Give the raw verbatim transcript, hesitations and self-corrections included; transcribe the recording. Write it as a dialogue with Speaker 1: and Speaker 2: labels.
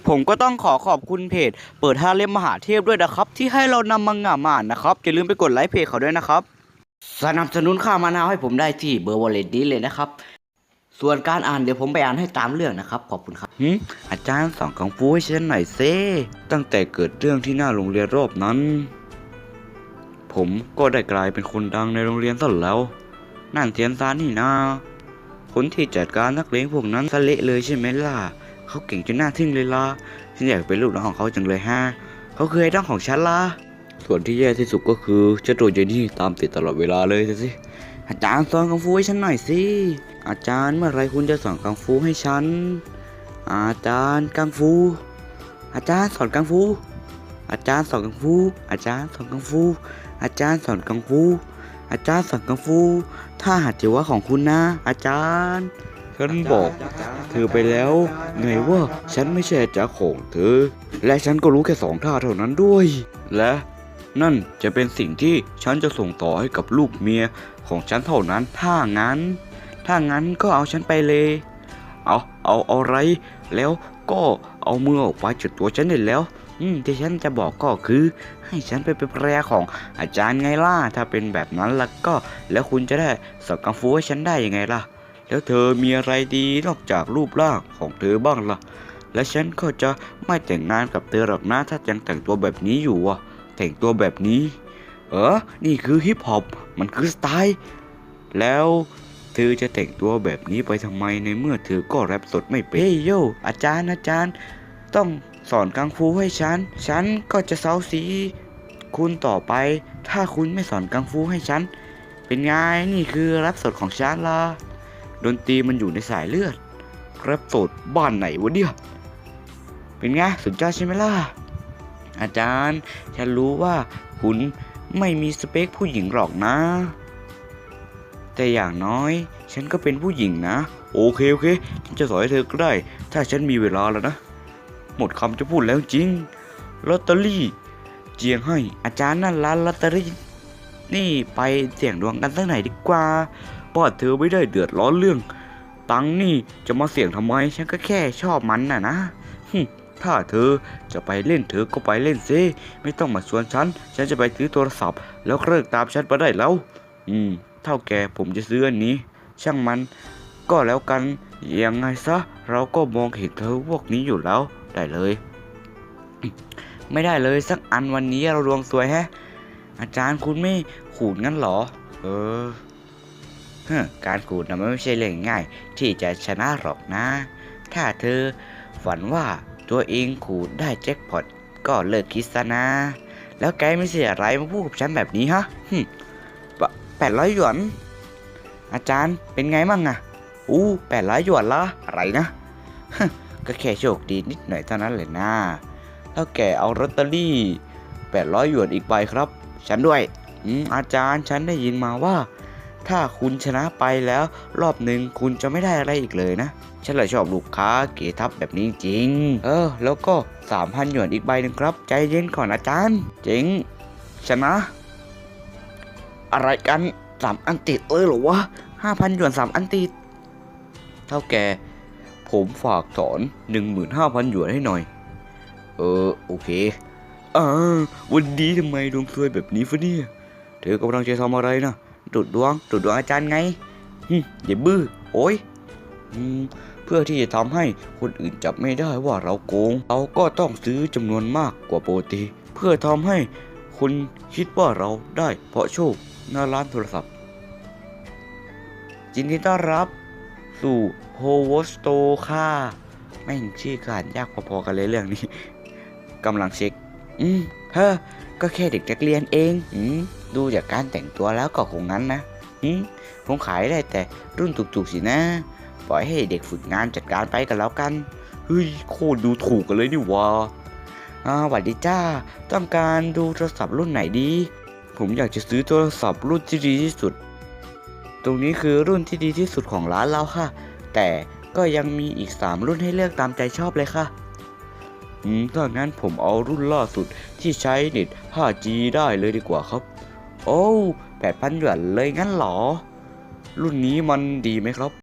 Speaker 1: ผมก็ต้องขอขอบคุณเพจเปิดห้าเล่มมหาเทพด้วยนะครับที่ให้เรานำมังงะมาอ่านนะครับอย่าลืมไปกดไลค์เพจเขาด้วยนะครับสนับสนุนค่ามะนาวให้ผมได้ที่เบอร์วอลเล็ตนี้เลยนะครับส่วนการอ่านเดี๋ยวผมไปอ่านให้ตามเรื่องนะครับขอบคุณครับหืมอาจารย์สอนกังฟูให้ฉันหน่อยเซ่ตั้งแต่เกิดเรื่องที่หน้าโรงเรียนรอบนั้นผมก็ได้กลายเป็นคนดังในโรงเรียนซะแล้วนั่นเทียนซานนี่นาคนที่จัดการนักเลงพวกนั้นซะเละเลยใช่ไหมล่ะเขาเก่งจนน่าทึ่งเลยล่ะฉันอยากเป็นลูกน้องของเขาจังเลยฮะเขาคือไอดอลของฉันล่ะส่วนที่แย่ที่สุดก็คือเจ้าตัวเจนี่ตามติดตลอดเวลาเลยสิอาจารย์สอนกังฟูให้ฉันหน่อยสิอาจารย์เมื่อไรคุณจะสอนกังฟูให้ฉันอาจารย์กังฟูอาจารย์สอนกังฟูอาจารย์สอนกังฟูอาจารย์สอนกังฟูอาจารย์สอนกังฟูอาจารย์สอนกังฟูถ้าหัดจิวะของคุณนะอาจารย์ฉันบอกเธอไปแล้วไงว่าฉันไม่ใช่อาจารย์ของเธอและฉันก็รู้แค่สองท่าเท่านั้นด้วยและนั่นจะเป็นสิ่งที่ฉันจะส่งต่อให้กับลูกเมียของฉันเท่านั้นถ้างั้นถ้างั้นก็เอาฉันไปเลยเอาเอาเอาอะไรแล้วก็เอามือออกไปจากตัวฉันได้แล้วอืมที่ฉันจะบอกก็คือให้ฉันไปเป็นภรรยาของอาจารย์ไงล่ะถ้าเป็นแบบนั้นแล้วก็แล้วคุณจะได้สอนกังฟูให้ฉันได้ยังไงล่ะแล้วเธอมีอะไรดีนอกจากรูปร่างของเธอบ้างล่ะและฉันก็จะไม่แต่งงานกับเธอหรอกนะถ้ายังแต่งตัวแบบนี้อยู่อ่ะแต่งตัวแบบนี้เออนี่คือฮิปฮอปมันคือสไตล์แล้วเธอจะแต่งตัวแบบนี้ไปทำไมในเมื่อเธอก็แรปสดไม่เป็นเฮ้ยโยอาจารย์อาจารย์ต้องสอนกังฟูให้ฉันฉันก็จะเซาซีคุณต่อไปถ้าคุณไม่สอนกังฟูให้ฉันเป็นไงนี่คือแรปสดของฉันล่ะดนตรีมันอยู่ในสายเลือดแรปสดบ้านไหนวะเนี่ยเป็นไงสุดยอดใช่ไหมล่ะอาจารย์ฉันรู้ว่าคุณไม่มีสเปคผู้หญิงหรอกนะแต่อย่างน้อยฉันก็เป็นผู้หญิงนะโอเคโอเคฉันจะสอนให้เธอก็ได้ถ้าฉันมีเวลาแล้วนะหมดคำจะพูดแล้วจริงลอตเตอรี่เจียงให้อาจารย์นั่นร้านลอตเตอรี่นี่ไปเสี่ยงดวงกันสักหน่อยดีกว่าเพราะเธอไม่ได้เดือดร้อนเรื่องตังค์นี่จะมาเสี่ยงทำไมฉันก็แค่ชอบมันน่ะนะถ้าเธอจะไปเล่นเธอก็ไปเล่นซิไม่ต้องมาชวนฉันฉันจะไปซื้อโทรศัพท์แล้วเลิกตามฉันไปได้แล้วอืมเท่าแกผมจะซื้ออันนี้ช่างมันก็แล้วกันยังไงซะเราก็มองเห็นเธอพวกนี้อยู่แล้วได้เลยไม่ได้เลยสักอันวันนี้เราดวงสวยแฮะอาจารย์คุณไม่ขูดงั้นหรอเออเฮ้การขูดนะมันไม่ใช่เรื่องง่ายที่จะชนะหรอกนะถ้าเธอฝันว่าตัวเองขูดได้แจ็คพอตก็เลิกคิดซะนะแล้วแกไม่เสียอะไรมาพูดกับฉันแบบนี้ฮะแปดร้อยหยวนอาจารย์เป็นไงมั่งอะอู้แปดร้อยหยวนละอะไรนะก็แค่โชคดีนิดหน่อยเท่านั้นเลยนะแล้วแกเอาลอตเตอรี่แปดร้อยหยวนอีกใบครับฉันด้วยอืมอาจารย์ฉันได้ยินมาว่าถ้าคุณชนะไปแล้วรอบหนึ่งคุณจะไม่ได้อะไรอีกเลยนะฉันเลยชอบลูกค้าเก๋ทับแบบนี้จริงเออแล้วก็สามพันหยวนอีกใบหนึ่งครับใจเย็นก่อนอาจารย์เจ๋งชนะอะไรกันสามอันติดเลยเหรอวะห้าพันหยวนสามอันติดเท่าแกผมฝากถอนหนึ่งหมื่นห้าพันหยวนให้หน่อยเออโอเคอ่าวันนี้ทำไมดวงซวยแบบนี้ฟะเนี่ยเธอกำลังจะทำอะไรนะดูดดวงดูดดวงอาจารย์ไงอย่าบื้อโอ้ยเพื่อที่จะทำให้คนอื่นจับไม่ได้ว่าเราโกงเราก็ต้องซื้อจำนวนมากกว่าปกติเพื่อทำให้คนคิดว่าเราได้เพราะโชคหน้าร้านโทรศัพท์ยินดีต้อนรับสู่โฮวสโตค่ะแม่งชื่อการยากพอๆกันเลยเรื่องนี้กำลังเช็คอืมเฮ้อก็แค่เด็กนักเรียนเองอืมดูจากการแต่งตัวแล้วก็คงงั้นนะอืมคงขายได้แต่รุ่นถูกๆสินะปล่อยให้เด็กฝึกงานจัดการไปกันแล้วกันเฮ้ยโคตรดูถูกกันเลยนี่วะอ่าสวัสดีจ้าต้องการดูโทรศัพท์รุ่นไหนดีผมอยากจะซื้อโทรศัพท์รุ่นที่ดีที่สุดตรงนี้คือรุ่นที่ดีที่สุดของร้านเราค่ะแต่ก็ยังมีอีกสามรุ่นให้เลือกตามใจชอบเลยค่ะอืมถ้างั้นผมเอารุ่นล่าสุดที่ใช้เน็ต ห้าจี ได้เลยดีกว่าครับโอ้แปดพันหยวนเลยงั้นหรอรุ่นนี้มันดีไหมครับ